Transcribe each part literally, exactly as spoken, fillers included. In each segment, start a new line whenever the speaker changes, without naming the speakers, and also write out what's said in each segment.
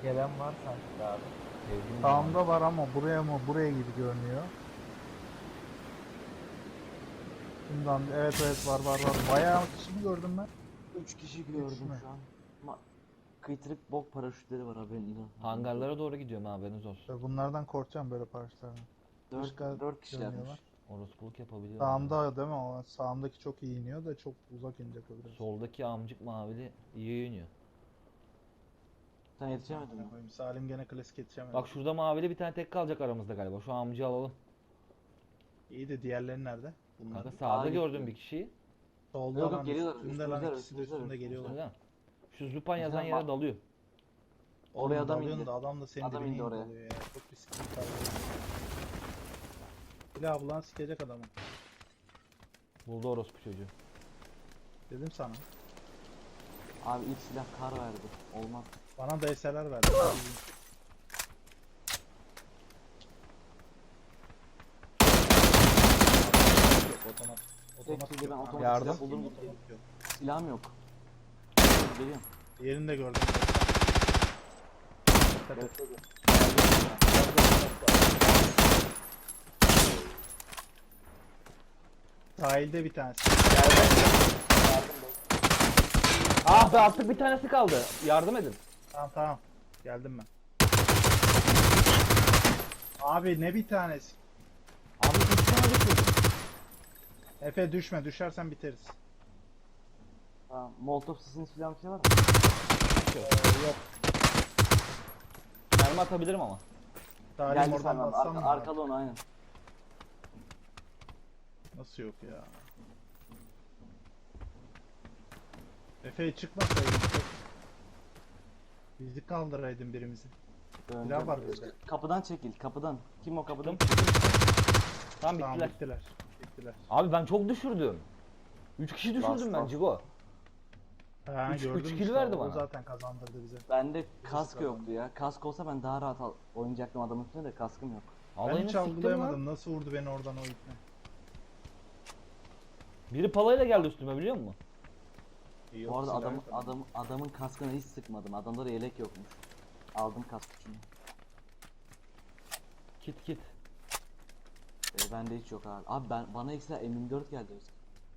gelen var sanki abi. Sevdiğim
Sağımda var ama buraya mı buraya gibi görünüyor. Bundan evet evet var var var. Bayağı kişi mi gördüm ben?
üç kişi
Üç
gördüm
mü?
şu an. Ama kıytırık bok paraşütleri var haberin inan.
Hangarlara doğru gidiyorum haberiniz olsun.
Ve bunlardan korkacağım böyle paraşütlerden. Başka
dört dört kişilermiş.
görünüyorlar.
Orospuluk yapabiliyor.
Sağımda değil mi o? Sağımdaki çok iyi iniyor da çok uzak inecek o biraz.
Soldaki amcık mavili iyi iniyor.
Sen yetişemedin mi?
Amına koyayım, Salim gene klasik yetişemedi.
Bak şurada mavili bir tane tek kalacak aramızda galiba. Şu amcayı alalım.
İyi de diğerleri nerede? Bunlar.
Kanka sağda
Aa,
gördüm
gitti.
bir kişiyi.
Solda
Yok,
lan
yok, geliyorlar.
üstünde lan
Üstümüzde,
ikisi de
üstümüzde,
üstünde geliyorlar.
Öyle mi? Şu Zupan yazan
Mesela
yere
bak-
dalıyor.
Oraya
Oğlum
adam
dalıyorsun
indi.
da adam da senin
Adam
dibine
indi oraya.
oluyor ya. Çok riskli bir karar. Silah bulan sikecek adamı.
Buldu orospu çocuğu.
Dedim sana.
Abi ilk silah kar verdi. Olmaz.
Bana D S L'ler verdi. Otomat. Otomat
Tek ben
yok.
otomatik
Yardım.
silah buldum.
Otomat yok.
Silahım yok. Geliyorum.
Yerini de gördüm. Dikkat et.
Bekle.
Sahilde bir tanesi.
Ah be artık bir tanesi kaldı. Yardım edin.
Tamam tamam. Geldim ben. Abi ne bir tanesi?
Abi üç tane düşürdüm.
Efe düşme. Düşersen biteriz.
Tamam. Molotov sesini silah bir şey var mı?
Ee, yok.
Mermi atabilirim ama.
Salim
Geldi
oradan
sen
bassam
arka,
mı?
arkada onu aynen.
Nasıl yok ya? Efe çıkmasaydın. Bizi kaldıraydın birimizi.
Döneceğim.
var bizde.
Kapıdan çekil kapıdan. Kim o kapıdan?
Tamam
Tamam
bittiler.
bittiler. Bittiler.
Abi ben çok düşürdüm. üç kişi düşürdüm
Bas,
ben
bas.
Cigo.
Ha,
Üç-
gördüm
üç
işte,
kill verdi
o
bana.
zaten kazandırdı bize.
Bende kask
kazandı.
yoktu ya. Kask olsa ben daha rahat al- oynayacaktım adamın üstüne de kaskım yok.
Ben
Alayını
hiç
siktim
algılayamadım.
lan.
Nasıl vurdu beni oradan o ipne?
Biri palayla geldi üstüme biliyor musun?
Yok,
Bu arada
silah
adam,
yok ama.
adam, adamın kaskına hiç sıkmadım. Adamda da yelek yokmuş. Aldım kask için.
Kit kit.
Ee, bende hiç yok abi. Abi ben bana ekstra M yirmi dört geldi Özkan.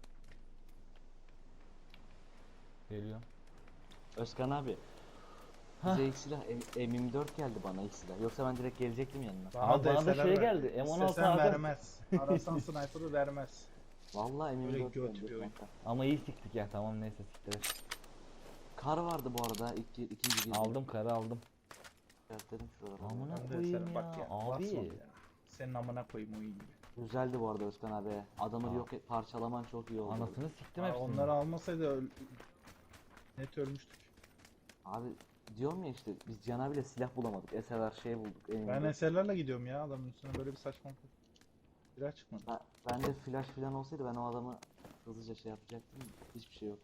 Geliyor.
Özkan abi.
Hah.
Bize ilk silah M- M yirmi dört geldi bana ilk silah. Yoksa ben direkt gelecektim yanına.
Abi bana da
D S L'ler
şey
verdi.
geldi, M on altı
İstesen
aldım.
vermez. Arasan sniper'ı vermez.
Vallahi M yirmi dört
Böyle göt
geldi
bir oyun.
kanka.
Ama iyi siktik ya tamam neyse siktir et.
Kar vardı bu arada ilk ikinci girdi.
Aldım karı aldım.
Dedim şuralara.
Amına
Ben de
koyayım
sana bak
ya,
ya.
abi.
basmadı ya. Senin amına koyayım o iyi gibi.
Güzeldi bu arada Özkan abi. Adamı
Aa.
yok et, parçalaman çok iyi oldu.
Anasını siktim
Aa,
hepsini.
onları almasaydı öl... net ölmüştük.
Abi diyorum ya işte biz Can abiyle silah bulamadık. S L R şey bulduk. M yirmi dört.
Ben S L'lerle gidiyorum ya adamın üstüne böyle bir saçmalık. Silah çıkmadı.
Ben, ben de flash falan olsaydı ben o adamı hızlıca şey yapacaktım. Hiçbir şey yok.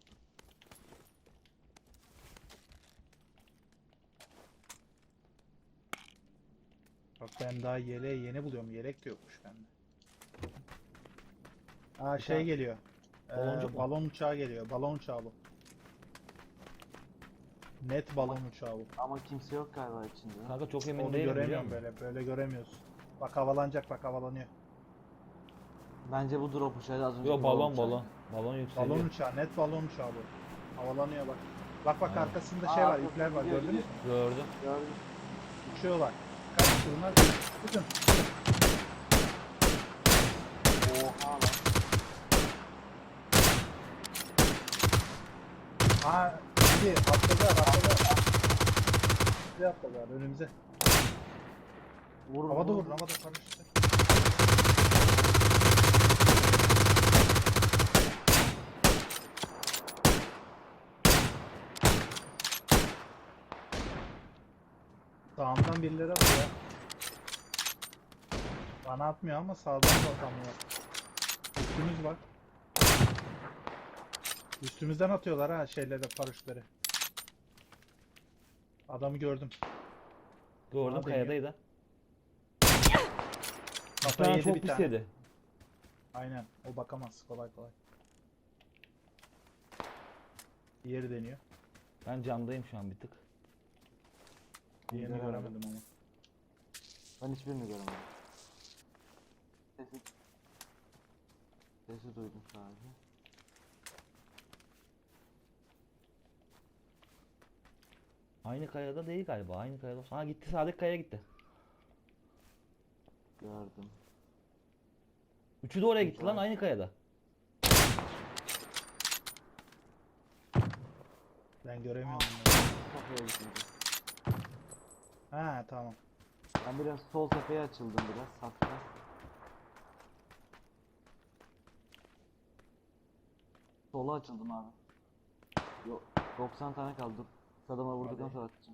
Bak ben daha yeleği yeni buluyorum. Yelek de yokmuş bende. Aa şey
tane-
geliyor. Ee,
Baloncuk mu?
balon uçağı geliyor. Balon uçağı bu. Net balon uçağı bu.
Ama kimse yok galiba içinde.
Kanka çok emin
Onu
değilim biliyor
göremiyorum
musun?
böyle. Böyle göremiyorsun. Bak havalanacak bak havalanıyor.
Bence bu drop uçağı az önce
Yo balon balon. Balon yükseliyor.
Balon uçağı. Net balon uçağı bu. Havalanıyor bak. Bak bak
Aynen.
arkasında
Aa,
şey var.
arkasında
ipler var.
gidiyor,
Gördünüz mü?
Gördüm.
Gördüm.
Uçuyorlar. Kaç bunlar? Bakın.
Oha lan.
Aa, şimdi atladılar atladılar. Bizi atladılar önümüze.
Vurun,
Havada
vurun.
vurun havada karıştı. Sağımdan birileri atıyor. Bana atmıyor ama sağdan da atamıyor. Üstümüz var. Üstümüzden atıyorlar ha şeyleri paraşütleri. Adamı gördüm.
Gördüm
Bana
kayadaydı. Bir
Kafayı
tane
yedi
çok
bir
pis
tane.
yedi.
Aynen. O bakamaz kolay kolay. Diğeri deniyor.
Ben camdayım şu an bir tık.
Diğerini
Göremedim.
göremedim ama.
Ben hiçbirini göremedim. Sesi... Sesi duydum sadece.
Aynı kayada değil galiba. Aynı kayada olsa. Ha gitti, sağdaki kayaya gitti.
Gördüm.
Üçü de oraya gitti
Güzel.
lan, aynı kayada.
Ben göremiyorum bunları.
Kafaya gitmedi.
Ha tamam.
Ben biraz sol tepeye açıldım biraz hafiften. Sola açıldım abi. Yok doksan tane kaldı. Dur. Adama vurduktan
Hadi.
sonra atacağım.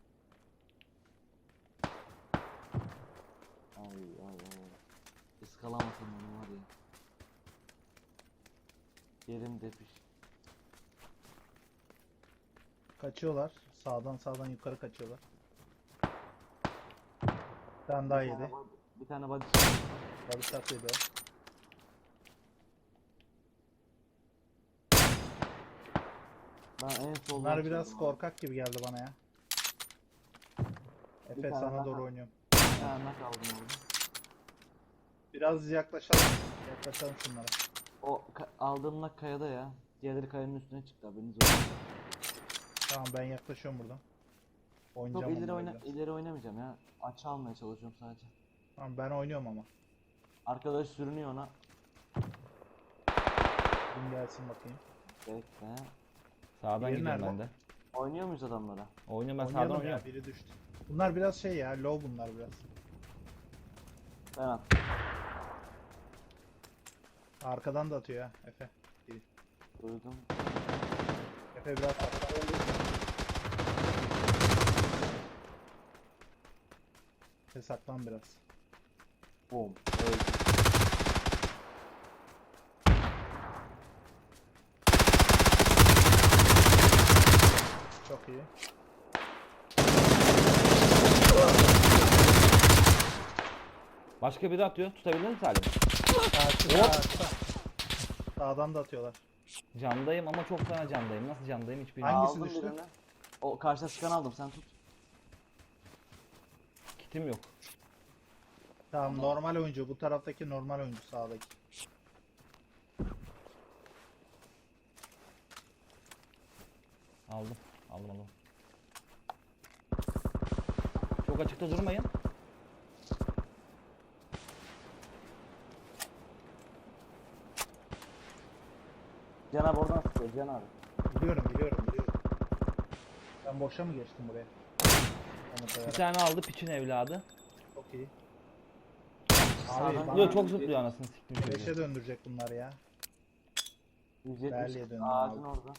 Ay ay ay. Iskalamasın onu var ya. Yerim depiş.
Kaçıyorlar. Sağdan sağdan yukarı kaçıyorlar. Bir tane daha
Bir tane
yedi.
body- Bir tane body.
Body shot yedi o.
Ben en soldan
Bunlar biraz
açıldım abi.
korkak gibi geldi bana ya.
Bir
Efe
tane
sana
daha.
doğru oynuyorum.
Bir tane kaldım orada.
Biraz yaklaşalım. Yaklaşalım şunlara.
O ka- aldığım nak kayada ya. Diğerleri kayanın üstüne çıktı haberiniz olsun.
Tamam ben yaklaşıyorum buradan.
Çok
Oynayacağım
ileri,
onlarla
oyna
biraz.
ileri oynamayacağım ya. Açı almaya çalışıyorum sadece.
Tamam ben oynuyorum ama.
Arkadaş sürünüyor ona.
Kim gelsin bakayım.
Bekle.
Sağdan
Diğeri
gidiyorum
nerede?
ben de.
Oynuyor muyuz adamlara?
Oynuyorum, ben sağdan
Oynayalım ya,
oynuyorum.
biri düştü. Bunlar biraz şey ya, low bunlar biraz.
Ben attım.
Arkadan da atıyor ya Efe.
Duydum.
Efe biraz atla. Efe saklan biraz.
Boom. Öldü.
Çok iyi.
Başka biri atıyor. Tutabildin mi Salim?
Karşı
Hop.
karşı. Sağdan da atıyorlar.
Candayım ama çok fena candayım. Nasıl candayım hiç bilmiyorum.
Hangisi
Aldım
düştü?
birini. O karşıda sıkan aldım sen tut.
Kitim yok.
Tamam normal oyuncu. Bu taraftaki normal oyuncu sağdaki.
Aldım. Aldım aldım. Çok açıkta durmayın.
Can abi oradan sıkıyor Can abi.
Biliyorum biliyorum biliyorum. Ben boşa mı geçtim buraya? Onu
Bir
koyarak.
tane aldı piçin evladı.
Çok iyi.
Sağdan
Abi bana
Yok çok zıplıyor anasını siktim çocuğu.
beşe döndürecek bunlar ya.
yüz
Berli'ye
yetmiş
döndüm
ağacın
abi.
orada.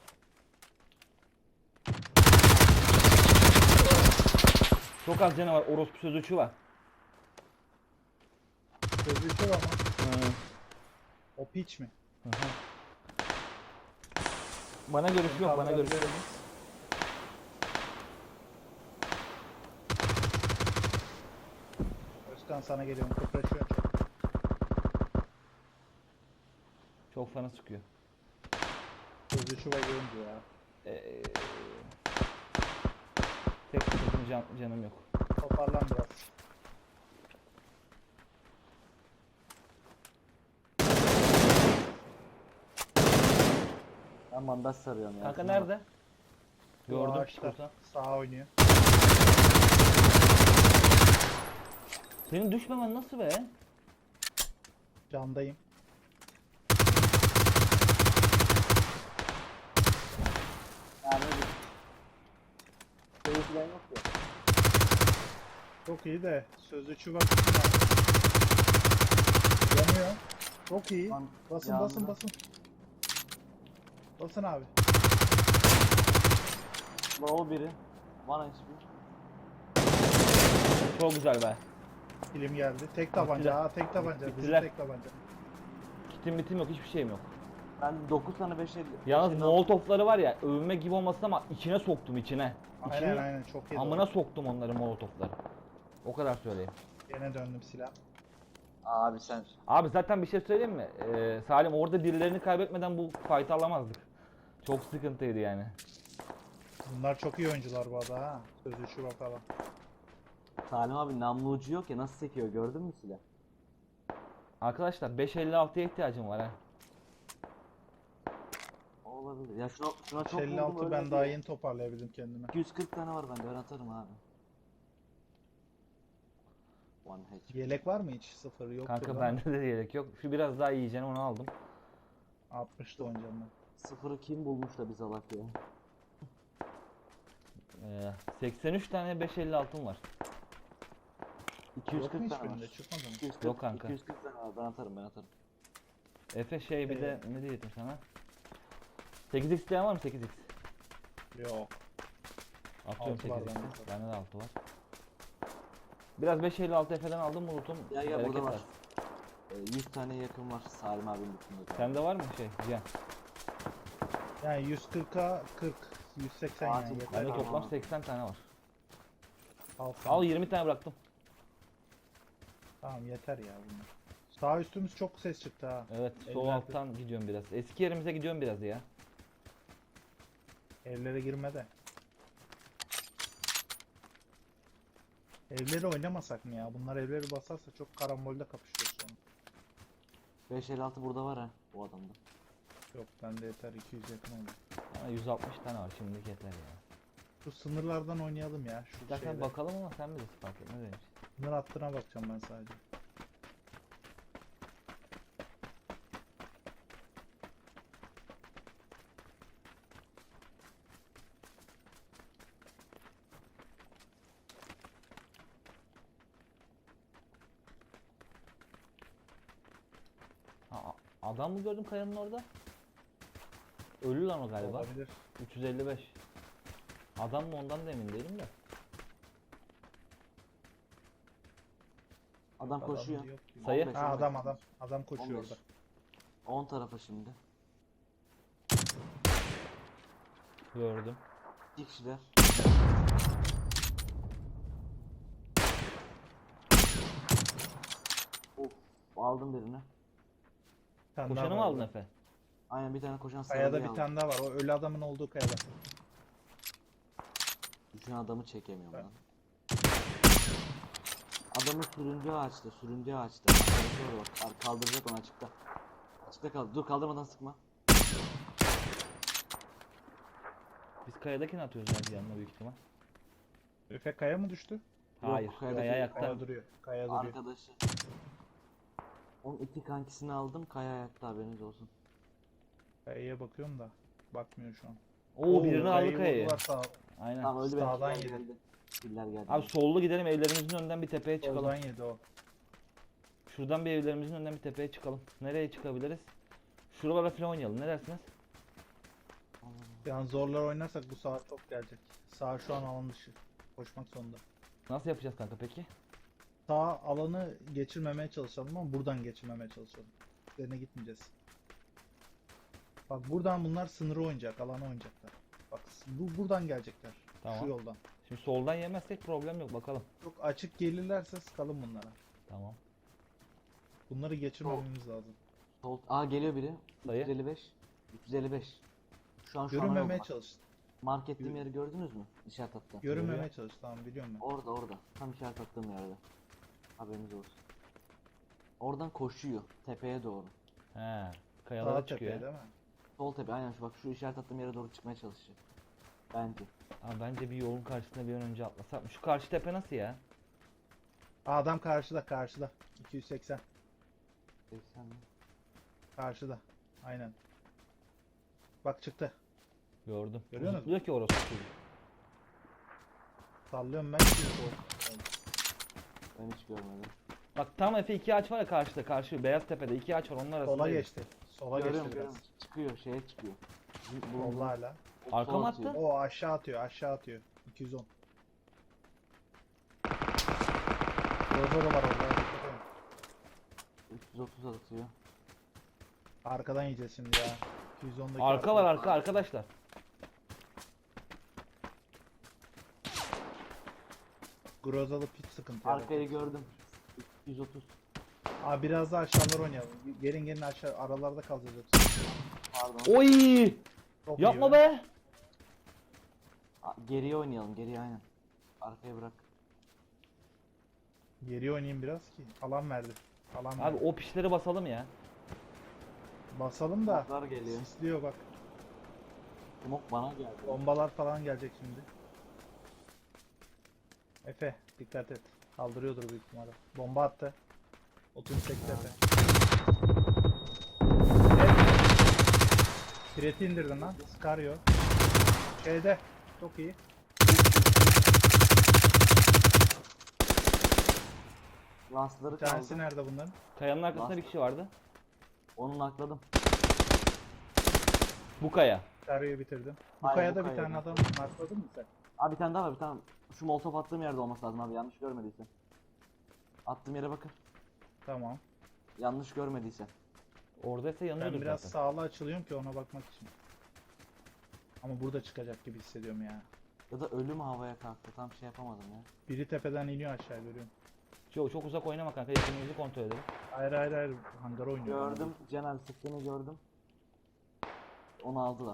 Çok az canı var. Orospu sözüçü var.
Sözlüsü var ama.
Hı.
O piç mi?
Hı hı. Bana görüş yok, bana görüş yok.
Özkan sana geliyorum. Kıpraşıyor çok.
Çok fena sıkıyor.
Sözlüsü var oyuncu ya.
Ee, tek sıkıntım can, canım yok.
Toparlan biraz.
Ben bandaj sarıyorum ya.
Kanka
Şuna
nerede?
bak.
Bu
Gördüm
ağaçta
psikosan.
sağa oynuyor.
Senin düşmemen nasıl be?
Candayım.
Yani bir şey falan yok ya.
Çok iyi de sözlüsü var. Yanıyor. Çok iyi.
Lan,
Basın
yandı.
basın basın. Basın abi.
Low biri. Bana hiçbir.
Çok güzel be.
Film geldi. Tek tabanca.
Bittiler.
Aa tek tabanca. Bizim
Bittiler.
tek tabanca.
Kitim bitim yok, hiçbir şeyim yok.
Ben dokuz tane beş el.
Yalnız molotofları var ya, övünme gibi olmasın ama içine soktum içine.
Aynen
İçine,
aynen çok iyi.
amına soktum onları molotofları. O kadar söyleyeyim.
Gene döndüm silah.
Abi sen.
Abi zaten bir şey söyleyeyim mi? Ee, Salim orada birilerini kaybetmeden bu fight'ı alamazdık. Çok sıkıntıydı yani.
Bunlar çok iyi oyuncular bu arada ha. Sözü şu falan.
Salim abi namlu ucu yok ya, nasıl sekiyor gördün mü silah?
Arkadaşlar beş elli altıya ihtiyacım var ha.
Olabilir. Ya şuna, şuna çok vurdum
elli altı
öyle
ben daha
diye.
yeni toparlayabildim kendime.
iki yüz kırk tane var bende, ben atarım abi. One H P.
Yelek var mı hiç? Sıfır yok.
Kanka bende de yelek yok. Şu biraz daha yiyeceğim, onu aldım.
altmışta oynayacağım ben.
Sıfırı kim bulmuş da biz alak ya?
Ee, seksen üç tane beş elli altım var.
Yok mu
iki yüz kırk tane var.
hiçbirinde? Çıkmadı mı?
iki yüz kırk,
Yok kanka.
iki yüz kırk tane var, ben atarım ben atarım.
Efe şey bir
Ee,
de ne diyecektim sana? sekiz x isteyen var mı sekiz x?
Yok.
Atıyorum
Altı var
sekiz
bende.
x'i. Bende de altı var. Biraz beş elli altı Efe'den aldım mı Ulut'um?
Ya ya
Bereket
burada var.
versin.
Ee, yüz tane yakın var Salim abinin bütünde.
Sende var mı şey? Cihan.
Yani yüz kırka kırk. yüz seksen yani
Acil.
yeter.
Bende
Tamam.
toplam seksen tane var.
Al,
Al yirmi tane bıraktım.
Tamam yeter ya bunlar. Sağ üstümüz çok ses çıktı ha.
Evet sol
Eller-
alttan gidiyorum biraz. Eski yerimize gidiyorum biraz ya.
Evlere girme de. Evleri oynamasak mı ya? Bunlar evleri basarsa çok karambolde kapışıyor sonra.
beş elli altı burada var ha bu adamda.
Yok bende yeter iki yüz yakın oldu.
Ama yüz altmış tane var şimdilik yeter ya.
Şu sınırlardan oynayalım ya. Şu
İstersen
şeyde.
bakalım ama sen bilirsin fark etmez benim için.
Sınır hattına bakacağım ben sadece.
Ha, a- adam mı gördüm kayanın orada? Ölü lan o galiba.
Olabilir.
üç yüz elli beş. Adam mı ondan da emin değilim de.
Adam
Adam
koşuyor.
yok gibi.
Sayı.
on beş,
Ha
on beş.
adam adam. Adam koşuyor
on beş.
orada.
on tarafa şimdi.
Gördüm.
İki kişiler. Of, aldım birini.
Bir tane daha
Koşanı mı
var
aldın
orada.
Efe?
Aynen bir tane koşan
Kayada
sarılıyı
bir
aldım.
tane daha var. O ölü adamın olduğu kayada.
Düşen adamı çekemiyorum
Ben-
lan. Adamı sürüncü ağaçta, sürüncü ağaçta. Arkadaşı orada bak, ar- kaldıracak onu açıkta. Açıkta kaldı. Dur kaldırmadan sıkma.
Biz kayadakini atıyoruz ya yanına büyük ihtimal.
Efe kaya mı düştü?
Hayır.
kayadaki-
Kaya ayakta.
Kaya duruyor. Kaya duruyor.
Arkadaşı. Onun iki kankisini aldım. Kaya ayakta, haberiniz olsun.
Kayaya bakıyorum da. Bakmıyor şu an.
Oo birini
kayayı
aldı kayayı.
vurdular sağ-
Aynen.
Tamam öldü benim.
Sağdan
Killer
yedi.
geldi. Killer geldi.
Abi sollu gidelim evlerimizin önünden bir tepeye çıkalım.
Soldan yedi o.
Şuradan bir evlerimizin önünden bir tepeye çıkalım. Nereye çıkabiliriz? Şuralara falan oynayalım. Ne dersiniz?
Yani zorlar oynarsak bu saat çok gelecek. Sağ şu an alan dışı. Koşmak zorunda.
Nasıl yapacağız kanka peki?
Sağ alanı geçirmemeye çalışalım ama buradan geçirmemeye çalışalım. Üzerine gitmeyeceğiz. Bak buradan bunlar sınırı oynayacak, alanı oynayacaklar. Bak bu buradan gelecekler.
Tamam.
Şu yoldan.
Şimdi soldan yemezsek problem yok bakalım.
Çok açık gelirlerse sıkalım bunlara.
Tamam.
Bunları geçirmememiz lazım.
Sol. Aa geliyor biri.
Sayı.
üç yüz elli beş. üç yüz elli beş. Şu an şu an
Görünmemeye
yok.
çalış.
Mark ettiğim
Yürü.
yeri gördünüz mü? İşaret attı.
Görünmemeye çalış. Tamam biliyorum ben.
Orada orada. Tam işaret attığım yerde. Haberiniz olsun. Oradan koşuyor. Tepeye doğru.
He.
Sağ
Kayalara
tepeye
çıkıyor.
değil
ya.
mi?
Sol tepe aynen şu bak, şu işaret attığım yere doğru çıkmaya çalışacak. Bence.
Abi bence bir yolun karşısına bir an önce atlasak mı? Şu karşı tepe nasıl ya?
Aa, adam karşıda karşıda. iki yüz seksen.
seksen mi?
Karşıda. Aynen. Bak çıktı.
Gördüm.
Görüyor musun?
Diyor ki orası çocuk.
Sallıyorum ben. Şimdi
Ben hiç görmedim.
Bak tam Efe iki ağaç var ya karşıda karşı beyaz tepede iki ağaç var onun arasında.
sola geçti. Sola
Görüyorum
geçti
görüyorum.
biraz.
Çıkıyor şeye çıkıyor.
Solla hala.
Arka mı attı?
O aşağı atıyor aşağı atıyor. iki yüz on. Rozoro var orada. dikkat edin.
üç yüz otuz atıyor.
Arkadan yiyeceğiz şimdi ya. iki yüz ondaki
Arka var arka arkadaşlar.
Grozalı pit sıkıntı yaratıyor.
Arkayı gördüm. üç yüz otuz.
Abi biraz daha aşağılar oynayalım. Gelin gelin aşağı aralarda kalacağız yoksa.
Pardon.
Oy!
Çok iyi
Yapma be!
A- Geriye oynayalım, geriye aynen. Arkaya bırak.
Geri oynayayım biraz ki. Alan verdi. Alan
Abi
verdi.
o pişleri basalım ya.
Basalım da.
Smoke'lar geliyor.
Sisliyor bak.
Smoke bana geldi.
Bombalar falan gelecek şimdi. Efe dikkat et. Kaldırıyordur büyük ihtimalle. Bomba attı. otuz sekiz Efe. Pireti indirdin lan. Scario. Şeyde. Çok iyi.
Lansları
Bir tanesi
kaldı.
nerede bunların?
Kayanın arkasında
Bas.
bir kişi vardı.
Onu nakladım.
Bu kaya.
Scario'yu bitirdim. Bu
Hayır,
kayada
bu
bir tane
kayada.
adam markladın mı sen?
Abi bir tane daha var, bir tane. Şu molotof attığım yerde olması lazım abi, yanlış görmediysen. Attığım yere bakın.
Tamam.
Yanlış görmediysen.
Oradaysa yanıyordur
Ben biraz
zaten.
sağlı açılıyorum ki ona bakmak için. Ama burada çıkacak gibi hissediyorum ya.
Ya da ölü mü havaya kalktı, tam şey yapamadım ya.
Biri tepeden iniyor aşağı görüyorum.
Çok, çok uzak oynama kanka. Yakınımızı kontrol edelim.
Hayır hayır hayır. Hangar oynuyor.
Gördüm, Cenab sıktığını gördüm. Onu aldılar.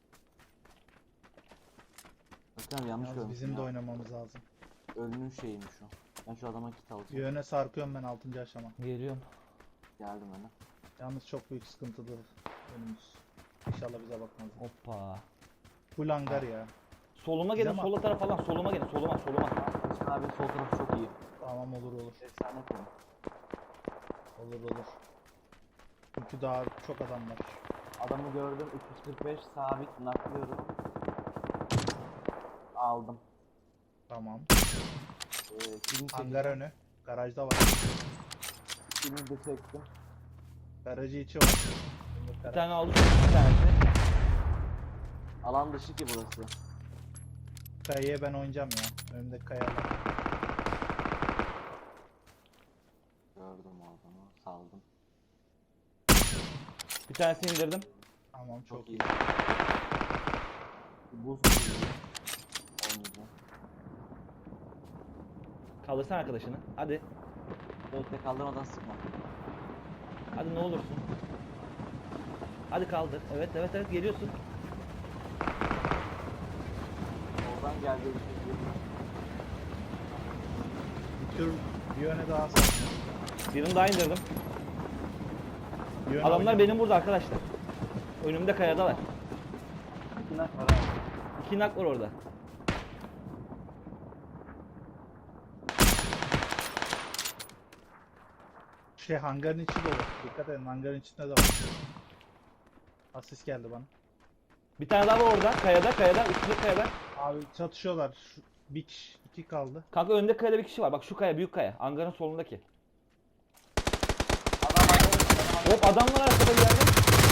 Bakın abi, yanlış
Yalnız
görmüşüm
bizim de
ya.
oynamamız lazım.
Ölünün şeyiymiş o. Ben şu adama kit
Bir
alacağım.
yöne sarkıyorum ben altıncı aşama.
Geliyorum.
Geldim öyle.
Yalnız çok büyük sıkıntılı önümüz. İnşallah bize bakmaz.
Hoppa.
Full hangar ya.
Soluma gelin,
Bize
sola taraf falan. Soluma gelin, soluma, soluma.
Başkan abi sol tarafı çok iyi.
Tamam olur olur.
Efsane konu.
Olur olur. Çünkü daha çok adam var.
Adamı gördüm, üç yüz kırk beş sabit naklıyorum. Aldım.
Tamam.
Ee, kilimi
Hangar
çektim.
önü. Garajda var.
Kilimi de çektim.
Garajı içi var.
Bir tane aldım, bir tanesi.
Alan dışı ki burası.
Kayaya ben oynayacağım ya. Önümdeki kayalar.
Gördüm o adamı, saldım.
Bir tanesini indirdim.
Tamam çok,
Çok
iyi.
iyi. Buz gibi. Oynayacağım.
Kaldırsana arkadaşını. Hadi.
Bekle, kaldırmadan sıkma.
Hadi ne olursun. Hadi kaldır. Evet evet evet geliyorsun.
Oradan geldi bir şey diyorum.
Bir tür bir yöne daha sar.
Birini daha indirdim.
Bir yöne
Adamlar
oynayalım.
benim burada arkadaşlar. Önümde kayada var.
İki nak var abi.
İki nak var orada.
Şey hangarın içi dolu. Dikkat edin hangarın içinde de var. Asist geldi bana.
Bir tane daha var orada. Kayada, kayada. Üstünde kayada.
Abi çatışıyorlar. Şu, bir kişi, iki kaldı.
Kanka önünde kayada bir kişi var. Bak şu kaya, büyük kaya. Hangarın solundaki.
Adam adam.
Hop adam var arkada bir yerde.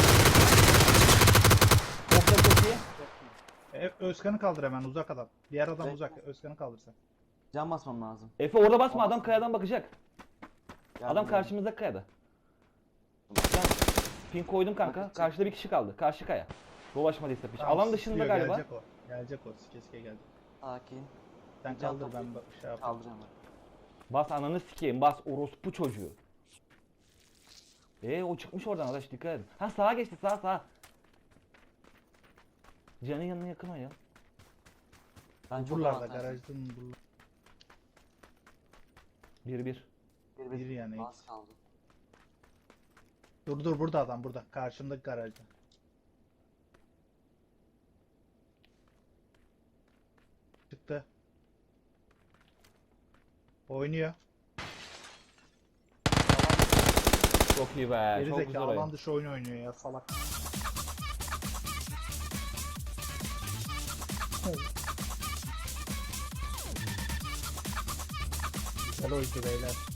Hop da çok iyi.
E, Özkan'ı kaldır hemen uzak adam. Diğer adam
Bekle.
uzak. Özkan'ı kaldırsan.
Can basmam lazım.
Efe orada basma, adam kayadan bakacak.
Geldim,
Adam
geldim.
karşımızda kayada. Ben pin koydum kanka.
Bakacak.
Karşıda bir kişi kaldı. Karşı kaya. Dolaşmadıysa piş.
Tamam,
Alan dışında
sisliyor,
galiba.
Gelecek o. Gelecek o. Sikeske gelecek.
Sakin.
Sen
Bir can
kaldır ben
toplayayım.
bak- şey yapayım.
Kaldıracağım ben.
Bas ananı sikeyim. Bas orospu çocuğu. Eee o çıkmış oradan arkadaş, dikkat edin. Ha sağa geçti, sağa sağa. Canın yanına yakın o ya.
Ben çok
Buralarda
avantajlıyım.
garajdan buralarda.
Bir bir.
Bir,
Bir yani.
Bas kaldı.
Dur dur burada adam burada. Karşımdaki garajda. Çıktı. Oynuyor.
Çok iyi be.
Geri
Çok güzel
zekalı
oyun.
alan dışı oyun oynuyor ya salak. Güzel oyuncu beyler.